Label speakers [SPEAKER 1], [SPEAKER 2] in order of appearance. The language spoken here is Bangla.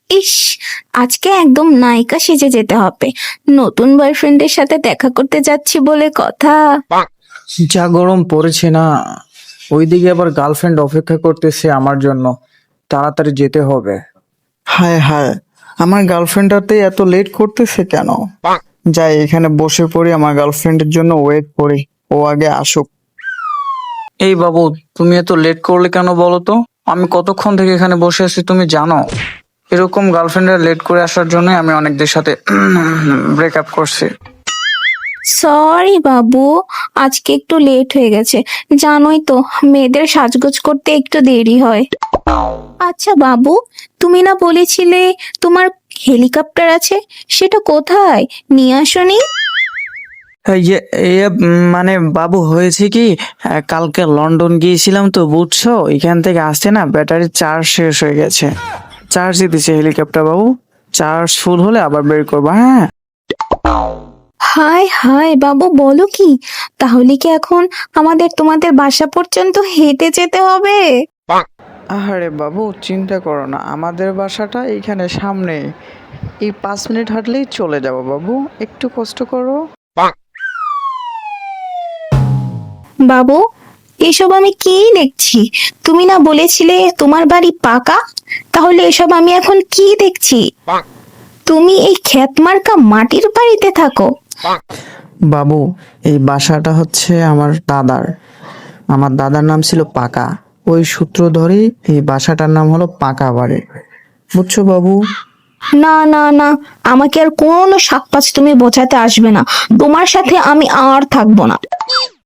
[SPEAKER 1] ইস, আজকে একদম নায়িকা সেজে যেতে হবে। নতুন বয়ফ্রেন্ডের সাথে দেখা করতে যাচ্ছি বলে কথা।
[SPEAKER 2] যা গরম পড়েছে না, ওইদিকে আবার গার্লফ্রেন্ড অপেক্ষা করতেছে আমার জন্য, তাড়াতাড়ি যেতে হবে। হায় হায়, আমার গার্লফ্রেন্ডটাতে এত লেট করতেছে কেন? যাই এখানে বসে পড়ি, আমার গার্লফ্রেন্ডের জন্য ওয়েট করি, ও আগে আসুক। এই বাবু, তুমি এত লেট করলে কেন বলো তো? আমি কতক্ষণ থেকে এখানে বসে আছি তুমি জানো? এরকম গার্লফ্রেন্ডের লেট করে আসার জন্য আমি অনেকদের সাথে ব্রেকআপ করছি।
[SPEAKER 1] সরি বাবু, আজকে একটু লেট হয়ে গেছে। জানোই তো, মেয়েদের সাজগোজ করতে একটু দেরি হয়। আচ্ছা বাবু, তুমি না বলেছিলে তোমার হেলিকপ্টার আছে, সেটা কোথায়? নিয়ে আসোনি?
[SPEAKER 2] হ্যাঁ, মানে বাবু হয়েছে কি, কালকে লন্ডন গিয়েছিলাম তো বুঝছো, এখান থেকে আসছে না ব্যাটারি চার্জ শেষ হয়ে গেছে। চার্জ দিতেছে হেলিকপ্টার বাবু, চার্জ ফুল হলে আবার বের করবো। হ্যাঁ,
[SPEAKER 1] হায় হায় বাবু, বলো কি? তাহলে কি এখন আমাদের তোমাদের বাসা পর্যন্ত হেঁটে যেতে হবে?
[SPEAKER 2] আরে বাবু চিন্তা করো না, আমাদের বাসাটা এইখানে সামনে, এই 5 মিনিট হাঁটলেই চলে যাবো বাবু, একটু কষ্ট করো।
[SPEAKER 1] বাবু, এসব আমি কি দেখছি? তুমি না বলেছিলে তোমার বাড়ি পাকা? তাহলে এসব আমি এখন কি দেখছি? তুমি এই ক্ষেতমার্কা মাটির বাড়িতে থাকো?
[SPEAKER 2] বাবু, এই বাসাটা হচ্ছে আমার দাদার নাম ছিল পাকা, ওই সূত্র ধরেই এই বাসাটার নাম হলো পাকা বাড়ি, বুঝছো বাবু?
[SPEAKER 1] না না না, আমাকে আর কোনো সাক্কাস তুমি বোঝাতে আসবে না। তোমার সাথে আমি আর থাকবো না।